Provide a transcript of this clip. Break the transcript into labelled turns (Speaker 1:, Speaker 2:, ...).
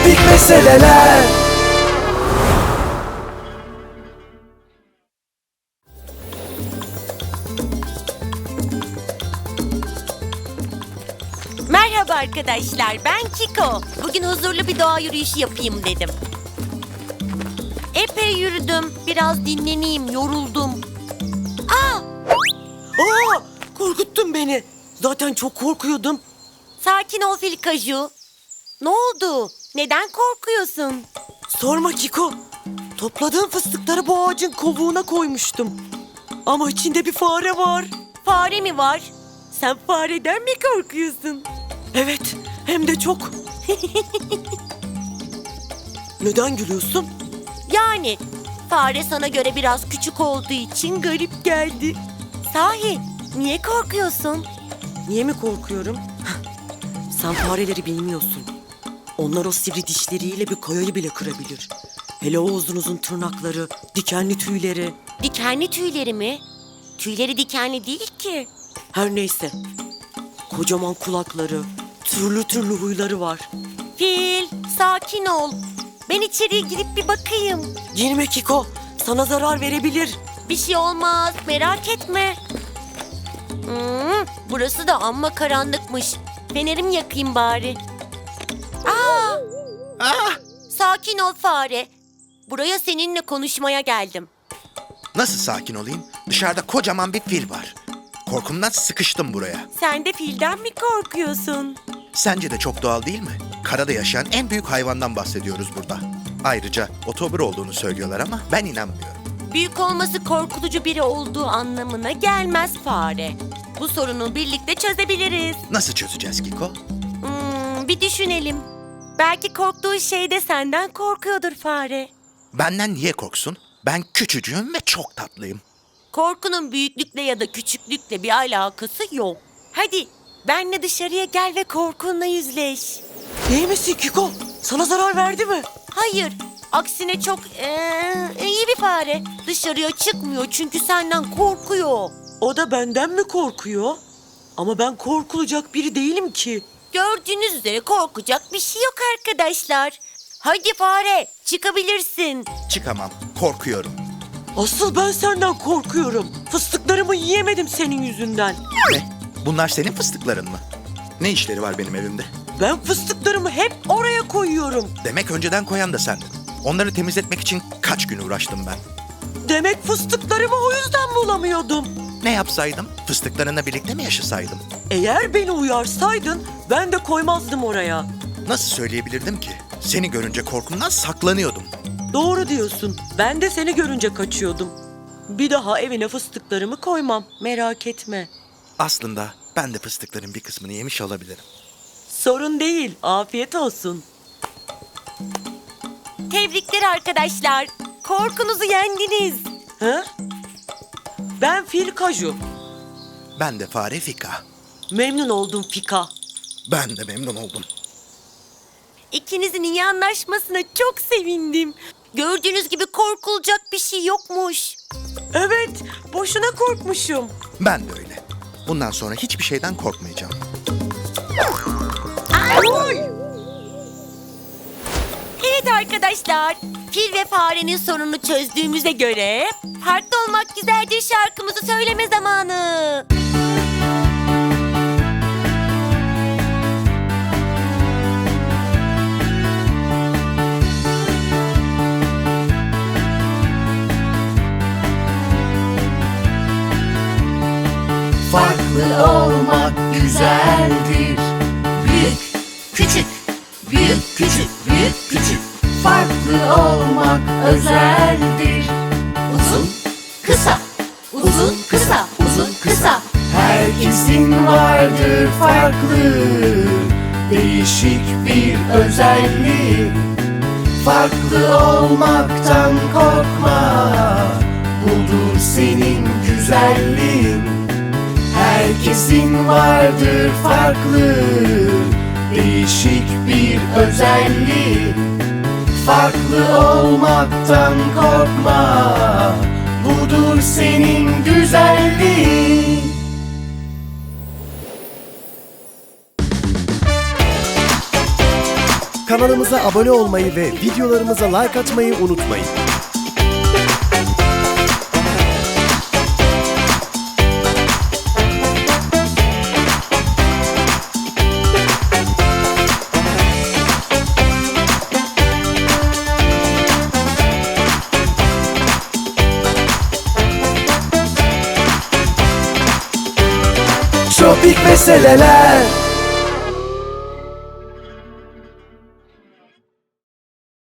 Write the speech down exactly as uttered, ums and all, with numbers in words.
Speaker 1: komik meseleler.
Speaker 2: Merhaba arkadaşlar, ben Kiko. Bugün huzurlu bir doğa yürüyüşü yapayım dedim. Epey yürüdüm, biraz dinleneyim, yoruldum. Aa!
Speaker 3: Aa, korkuttun beni. Zaten çok korkuyordum.
Speaker 2: Sakin ol Filkaju. Ne oldu? Neden korkuyorsun?
Speaker 3: Sorma Kiko. Topladığım fıstıkları bu ağacın kovuğuna koymuştum. Ama içinde bir fare var.
Speaker 2: Fare mi var?
Speaker 3: Sen fareden mi korkuyorsun? Evet, hem de çok. Neden gülüyorsun?
Speaker 2: Yani fare sana göre biraz küçük olduğu için garip geldi. Sahi, niye korkuyorsun?
Speaker 3: Niye mi korkuyorum? Sen fareleri bilmiyorsun. Onlar o sivri dişleriyle bir kayayı bile kırabilir. Hele o uzun uzun tırnakları, dikenli tüyleri.
Speaker 2: Dikenli tüyleri mi? Tüyleri dikenli değil ki.
Speaker 3: Her neyse. Kocaman kulakları, türlü türlü huyları var.
Speaker 2: Fil, sakin ol. Ben içeriye girip bir bakayım.
Speaker 3: Girme Kiko, sana zarar verebilir.
Speaker 2: Bir şey olmaz, merak etme. Hmm, burası da amma karanlıkmış. Fenerimi yakayım bari. Aa!
Speaker 4: Ah!
Speaker 2: Sakin ol fare. Buraya seninle konuşmaya geldim.
Speaker 4: Nasıl sakin olayım? Dışarıda kocaman bir fil var. Korkumdan sıkıştım buraya.
Speaker 2: Sen de filden mi korkuyorsun?
Speaker 4: Sence de çok doğal değil mi? Karada yaşayan en büyük hayvandan bahsediyoruz burada. Ayrıca otobur olduğunu söylüyorlar ama ben inanmıyorum.
Speaker 2: Büyük olması korkutucu biri olduğu anlamına gelmez fare. Bu sorunu birlikte çözebiliriz.
Speaker 4: Nasıl çözeceğiz Kiko?
Speaker 2: Hmm, bir düşünelim. Belki korktuğu şey de senden korkuyordur fare.
Speaker 4: Benden niye korksun? Ben küçücüğüm ve çok tatlıyım.
Speaker 2: Korkunun büyüklükle ya da küçüklükle bir alakası yok. Hadi benle dışarıya gel ve korkunla yüzleş.
Speaker 3: İyi misin Kiko? Sana zarar verdi mi?
Speaker 2: Hayır, aksine çok ee, iyi bir fare. Dışarıya çıkmıyor çünkü senden korkuyor.
Speaker 3: O da benden mi korkuyor? Ama ben korkulacak biri değilim ki.
Speaker 2: Gördüğünüz üzere korkacak bir şey yok arkadaşlar. Hadi fare, çıkabilirsin.
Speaker 4: Çıkamam, korkuyorum.
Speaker 3: Asıl ben senden korkuyorum. Fıstıklarımı yiyemedim senin yüzünden.
Speaker 4: Ne? Bunlar senin fıstıkların mı? Ne işleri var benim evimde?
Speaker 3: Ben fıstıklarımı hep oraya koyuyorum.
Speaker 4: Demek önceden koyan da sendin. Onları temizletmek için kaç gün uğraştım ben.
Speaker 3: Demek fıstıklarımı o yüzden bulamıyordum.
Speaker 4: Ne yapsaydım? Fıstıklarınla birlikte mi yaşasaydım?
Speaker 3: Eğer beni uyarsaydın ben de koymazdım oraya.
Speaker 4: Nasıl söyleyebilirdim ki? Seni görünce korkumdan saklanıyordum.
Speaker 3: Doğru diyorsun. Ben de seni görünce kaçıyordum. Bir daha evine fıstıklarımı koymam. Merak etme.
Speaker 4: Aslında ben de fıstıkların bir kısmını yemiş olabilirim.
Speaker 3: Sorun değil. Afiyet olsun.
Speaker 2: Tebrikler arkadaşlar. Korkunuzu yendiniz.
Speaker 3: Ha? Ben Fil Kaju.
Speaker 4: Ben de fare Fika.
Speaker 3: Memnun oldum Fika.
Speaker 4: Ben de memnun oldum.
Speaker 2: İkinizin iyi anlaşmasına çok sevindim. Gördüğünüz gibi korkulacak bir şey yokmuş.
Speaker 3: Evet, boşuna korkmuşum.
Speaker 4: Ben de öyle. Bundan sonra hiçbir şeyden korkmayacağım.
Speaker 2: Evet arkadaşlar, fil ve farenin sorununu çözdüğümüze göre farklı olmak güzeldir şarkımızı söyleme zamanı.
Speaker 1: Farklı olmak güzeldir. Büyük, küçük, büyük, küçük, büyük, küçük. Farklı olmak özeldir. Uzun, kısa, uzun, kısa, uzun, kısa. Herkesin vardır farklı, değişik bir özelliği. Farklı olmaktan korkma, budur senin güzelliğin. Herkesin vardır farklı, değişik bir özelliği. Farklı olmaktan korkma, budur senin güzelliğin.
Speaker 5: Kanalımıza abone olmayı ve videolarımıza like atmayı unutmayın. Tropik meseleler